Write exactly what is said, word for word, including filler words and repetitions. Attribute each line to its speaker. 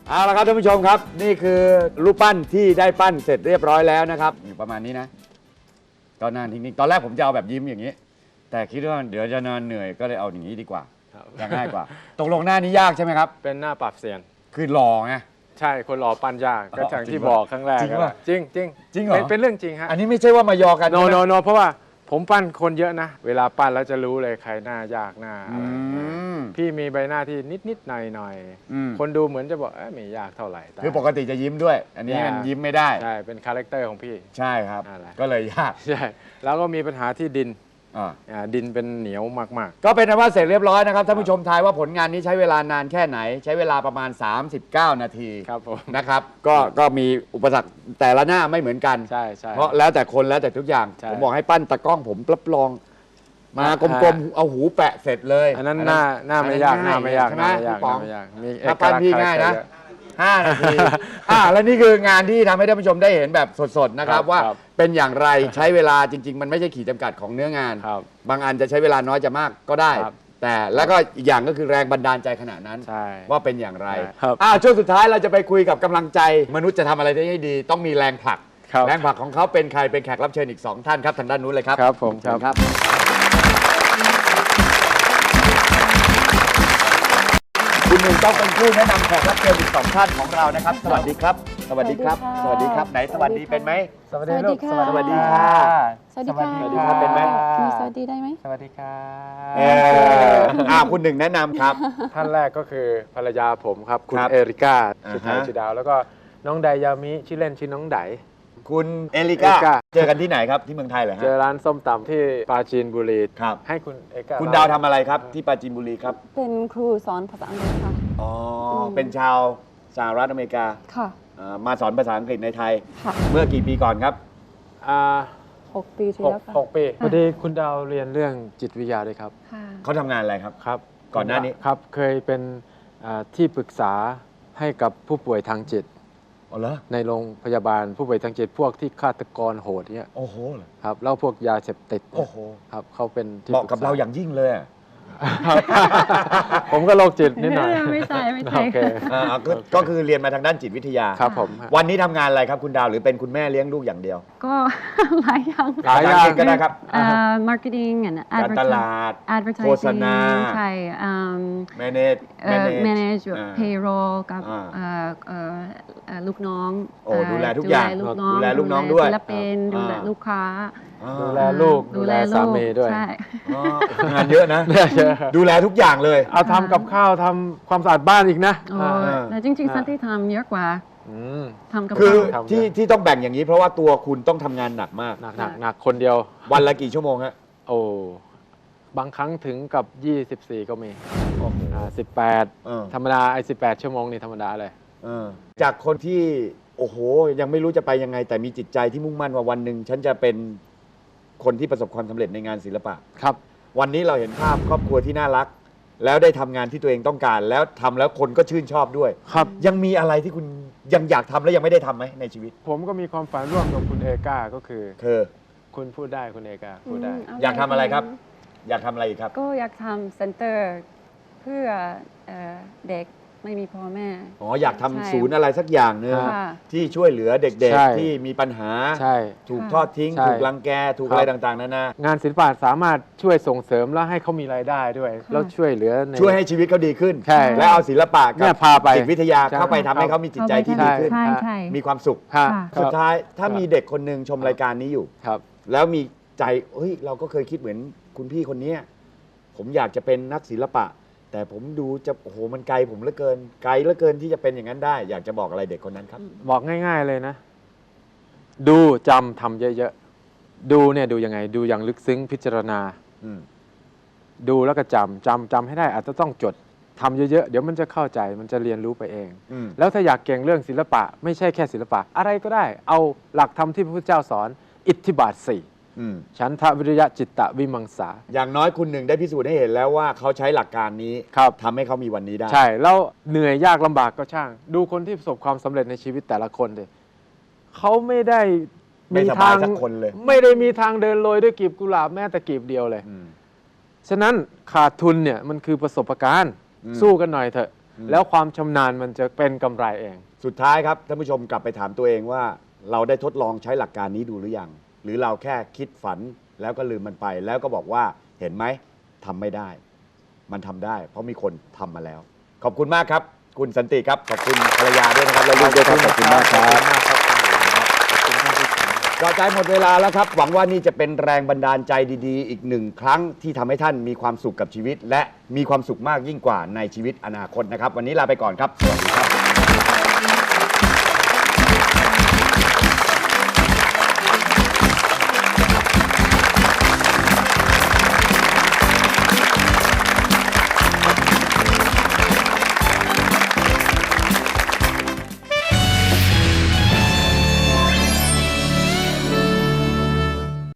Speaker 1: เอาละครับท่านผู้ชมครับนี่คือรูปปั้นที่ได้ปั้นเสร็จเรียบร้อยแล้วนะครับอยู่ประมาณนี้นะก็นานทิ้งๆตอนแรกผมจะเอาแบบยิ้มอย่างนี้ แต่คิดว่าเดี๋ยวจะนอนเหนื่อยก็เลยเอาอย่างนี้ดีกว่าจะง่ายกว่าตกลงหน้านี้ยากใช่ไหมครับ
Speaker 2: เป็นหน้าปรับเสียน
Speaker 1: คือหล่อไง
Speaker 2: ใช่คนหล่อปั้นยากก็อย่างที่บอกครั้งแรก
Speaker 1: จริงป่ะ
Speaker 2: จริงจริง
Speaker 1: จริงเหรอ
Speaker 2: เป็นเรื่องจริงฮะ
Speaker 1: อันนี้ไม่ใช่ว่ามายอกัน
Speaker 2: โนโนโนเพราะว่าผมปั้นคนเยอะนะเวลาปั้นแล้วจะรู้เลยใครหน้ายากหน้าอะไรพี่มีใบหน้าที่นิดนิดหน่อยหน่อยคนดูเหมือนจะบอกเอ้ไม่ยากเท่าไหร่
Speaker 1: คือปกติจะยิ้มด้วย อันนี้มันยิ้มไม่ได้
Speaker 2: ใช่เป็นคาแรคเตอร์ของพี่
Speaker 1: ใช่ครับก็เลยยาก
Speaker 2: ใช่แล้วก็มีปัญหาที่ดินดินเป็นเหนียวมาก
Speaker 1: ๆก็เป็นว่าเสร็จเรียบร้อยนะครับท่านผู้ชมทายว่าผลงานนี้ใช้เวลานานแค่ไหนใช้เวลาประมาณสามสิบเก้านาที
Speaker 2: ครับผม
Speaker 1: นะครับก็ก็มีอุปสรรคแต่ละหน้าไม่เหมือนกัน
Speaker 2: ใช่ใช่
Speaker 1: เพราะแล้วแต่คนแล้วแต่ทุกอย่างผมบอกให้ปั้นตะกล้องผมรับรองมากลมๆเอาหูแปะเสร็จเลย
Speaker 2: อันนั้นหน้าหน้าไม่ยากหน้าไม่ยาก
Speaker 1: ใช่ไหมพี่ป๋อง
Speaker 2: มีเอ
Speaker 1: ถ้าก
Speaker 2: ลั
Speaker 1: ปั้น
Speaker 2: กษณ์
Speaker 1: พี่ง่ายนะห้านาทีอ่าแล้วนี่คืองานที่ทำให้ท่านผู้ชมได้เห็นแบบสดๆนะครับว่าเป็นอย่างไรใช้เวลาจริงๆมันไม่ใช่ขีดจำกัดของเนื้องานบางอันจะใช้เวลาน้อยจะมากก็ได้แต่แล้วก็อีกอย่างก็คือแรงบันดาลใจขนาดนั้นว่าเป็นอย่างไรอ่าช่วงสุดท้ายเราจะไปคุยกับกำลังใจมนุษย์จะทำอะไรได้ให้ดีต้องมีแรงผลักแรงผลักของเขาเป็นใครเป็นแขกรับเชิญอีกสองท่านครับทางด้านนู้นเลยครับ
Speaker 2: ครับผมครับ
Speaker 1: คุณหนึ่งต้องเป็นผู้แนะนำแขกรับเชิญอีกสองท่านของเรานะครับสวัสดีครับสวัสดีครับสวัสดีครับไหนสวัสดีเป็นไหม
Speaker 3: สวัสดีลูก
Speaker 1: สวัสดีค่ะ
Speaker 3: สวัสดีค่ะ
Speaker 1: สวัสดีครับเป็นไหม
Speaker 3: สวัสดีได้ไหม
Speaker 2: สวัสดีค่ะ
Speaker 1: เอออ่าคุณหนึ่งแนะนำครับ
Speaker 2: ท่านแรกก็คือภรรยาผมครับคุณเอริก้าชื่อไทยชื่อดาวแล้วก็น้องไดยามิชื่อเล่นชื่อน้องได
Speaker 1: คุณเอลิก้าเจอกันที่ไหนครับที่เมืองไทยเหรอฮะ
Speaker 2: เจอร้านส้มตำที่ปราจีนบุรี
Speaker 1: ครับ
Speaker 2: ให้คุณเอลิก้า
Speaker 1: คุณดาวทำอะไรครับที่ปราจีนบุรีครับ
Speaker 3: เป็นครูสอนภาษาอังกฤษค่ะ
Speaker 1: อ๋อเป็นชาวสหรัฐอเมริกา
Speaker 3: ค่ะ
Speaker 1: มาสอนภาษาอังกฤษในไทย
Speaker 3: ค่ะ
Speaker 1: เมื่อกี่ปีก่อนครับ
Speaker 3: อ่าหกปีที่แล้วค่ะ
Speaker 2: หกปีพอดีคุณดาวเรียนเรื่องจิตวิทยาด้วยครับ
Speaker 1: เขาทำงานอะไรครับ
Speaker 2: ครับ
Speaker 1: ก่อนหน้านี้
Speaker 2: ครับเคยเป็นที่ปรึกษาให้กับผู้ป่วยทางจิตในโรงพยาบาลผู้ป่วยทางจิตพวกที่ฆาตกรโหดเนี่ย
Speaker 1: โอ้โห
Speaker 2: ครับแล้วพวกยาเสพติด
Speaker 1: โอ้โห
Speaker 2: ครับเขาเป็น
Speaker 1: ที่เหมาะกับเราอย่างยิ่งเลย
Speaker 2: ผมก็โรคจิตนิดหน่อย
Speaker 3: ไม่ใช่ไม่ใช่
Speaker 1: ก็คือเรียนมาทางด้านจิตวิทยา
Speaker 2: ครับผม
Speaker 1: วันนี้ทำงานอะไรครับคุณดาวหรือเป็นคุณแม่เลี้ยงลูกอย่างเดียว
Speaker 3: ก็หลายอย่าง
Speaker 1: หลายอย่างก็ได้ครับ
Speaker 3: marketing and
Speaker 1: การตลาด
Speaker 3: advertising
Speaker 1: โฆษณา
Speaker 3: ใช่
Speaker 1: manage
Speaker 3: manage payroll กับลูกน้อง
Speaker 1: โอ้ดูแลทุกอย่างดูแลลูกน้องด้วย
Speaker 3: ศิลปินดูแลลูกค้า
Speaker 2: ดูแลลูกดูแลสามีด้วย
Speaker 1: งานเยอะนะดูแลทุกอย่างเลย
Speaker 2: เอาทำกับข้าวทำความสะอาดบ้านอีกนะ
Speaker 3: แต่จริงๆสันที่ทำเยอะกว่าทำกับ
Speaker 1: คือที่ที่ต้องแบ่งอย่างนี้เพราะว่าตัวคุณต้องทำงานหนักมาก
Speaker 2: หนักหนักหนักคนเดียว
Speaker 1: วันละกี่ชั่วโมงฮะ
Speaker 2: โอ้บางครั้งถึงกับยี่สิบสี่ก็มีสิบแปดธรรมดาไอ้สิบแปดชั่วโมงนี่ธรรมดาเลย
Speaker 1: จากคนที่โอ้โหยังไม่รู้จะไปยังไงแต่มีจิตใจที่มุ่งมั่นว่าวันหนึ่งฉันจะเป็นคนที่ประสบความสำเร็จในงานศิลปะ
Speaker 2: ครับ
Speaker 1: วันนี้เราเห็นภาพครอบครัวที่น่ารักแล้วได้ทำงานที่ตัวเองต้องการแล้วทำแล้วคนก็ชื่นชอบด้วย
Speaker 2: ครับ
Speaker 1: ยังมีอะไรที่คุณยังอยากทำและยังไม่ได้ทำไหมในชีวิต
Speaker 2: ผมก็มีความฝันร่วมกับคุณเอกาก็คือ
Speaker 1: คือ
Speaker 2: คุณพูดได้คุณเอกาพูดได้
Speaker 1: อยากทำอะไรครับอยากทำอะไรอีกครับ
Speaker 3: ก็อยากทำเซ็นเตอร์เพื่อเด็กไม่มีพ่อแม่
Speaker 1: อ๋ออยากทำศูนย์อะไรสักอย่างนึงที่ช่วยเหลือเด็กๆที่มีปัญหาถูกทอดทิ้งถูกรังแกถูกอะไรต่างๆนั่นนะ
Speaker 2: งานศิลปะสามารถช่วยส่งเสริมและให้เขามีรายได้ด้วยแล้วช่วยเหลือ
Speaker 1: ช่วยให้ชีวิตเขาดีขึ้นและเอาศิลปะกับจิตวิทยาเข้าไปทำให้เขามีจิตใจที่ดีขึ้นมีความสุขสุดท้ายถ้ามีเด็กคนหนึ่งชมรายการนี้อยู่แล้วมีใจเฮ้ยเราก็เคยคิดเหมือนคุณพี่คนนี้ผมอยากจะเป็นนักศิลปะแต่ผมดูจะโอ้โหมันไกลผมเหลือเกินไกลเหลือเกินที่จะเป็นอย่างนั้นได้อยากจะบอกอะไรเด็กคนนั้นครับ
Speaker 2: บอกง่ายๆเลยนะดูจำทำเยอะๆดูเนี่ยดูยังไงดูอย่างลึกซึ้งพิจารณาดูแล้วก็จำจำจำให้ได้อาจจะต้องจดทำเยอะๆเดี๋ยวมันจะเข้าใจมันจะเรียนรู้ไปเองแล้วถ้าอยากเก่งเรื่องศิลปะไม่ใช่แค่ศิลปะอะไรก็ได้เอาหลักธรรมที่พระพุทธเจ้าสอนอิทธิบาทสี่ฉันทะวิริยะจิตตะวิมังสา
Speaker 1: อย่างน้อยคุณหนึ่งได้พิสูจน์ให้เห็นแล้วว่าเขาใช้หลักการนี้ทำให้เขามีวันนี้ได้
Speaker 2: ใช่แล้วเหนื่อยยากลำบากก็ช่างดูคนที่ประสบความสำเร็จในชีวิตแต่ละคนเลยเขาไม่ได้
Speaker 1: มีทางคนเลย
Speaker 2: ไม่ได้มีทางเดินโรยด้วยกลีบกุหลาบแม้แต่กลีบเดียวเลยฉะนั้นขาดทุนเนี่ยมันคือประสบการณ์สู้กันหน่อยเถอะแล้วความชำนาญมันจะเป็นกำไรเอง
Speaker 1: สุดท้ายครับท่านผู้ชมกลับไปถามตัวเองว่า เราได้ทดลองใช้หลักการนี้ดูหรือยัง หรือเราแค่คิดฝันแล้วก็ลืมมันไป แล้วก็บอกว่าเห็นไหมทำไม่ได้ มันทำได้ เพราะมีคนทำมาแล้ว ขอบคุณมากครับ คุณสันติครับขอบคุณภรรยาด้วยนะครับและลูกด้วยครับขอบคุณมากครับก็ใจหมดเวลาแล้วครับ หวังว่านี่จะเป็นแรงบันดาลใจดีๆ อีกหนึ่งครั้งที่ทำให้ท่านมีความสุขกับชีวิต และมีความสุขมากยิ่งกว่าในชีวิตอนาคตนะครับ วันนี้ลาไปก่อนครับสวัสดีครับ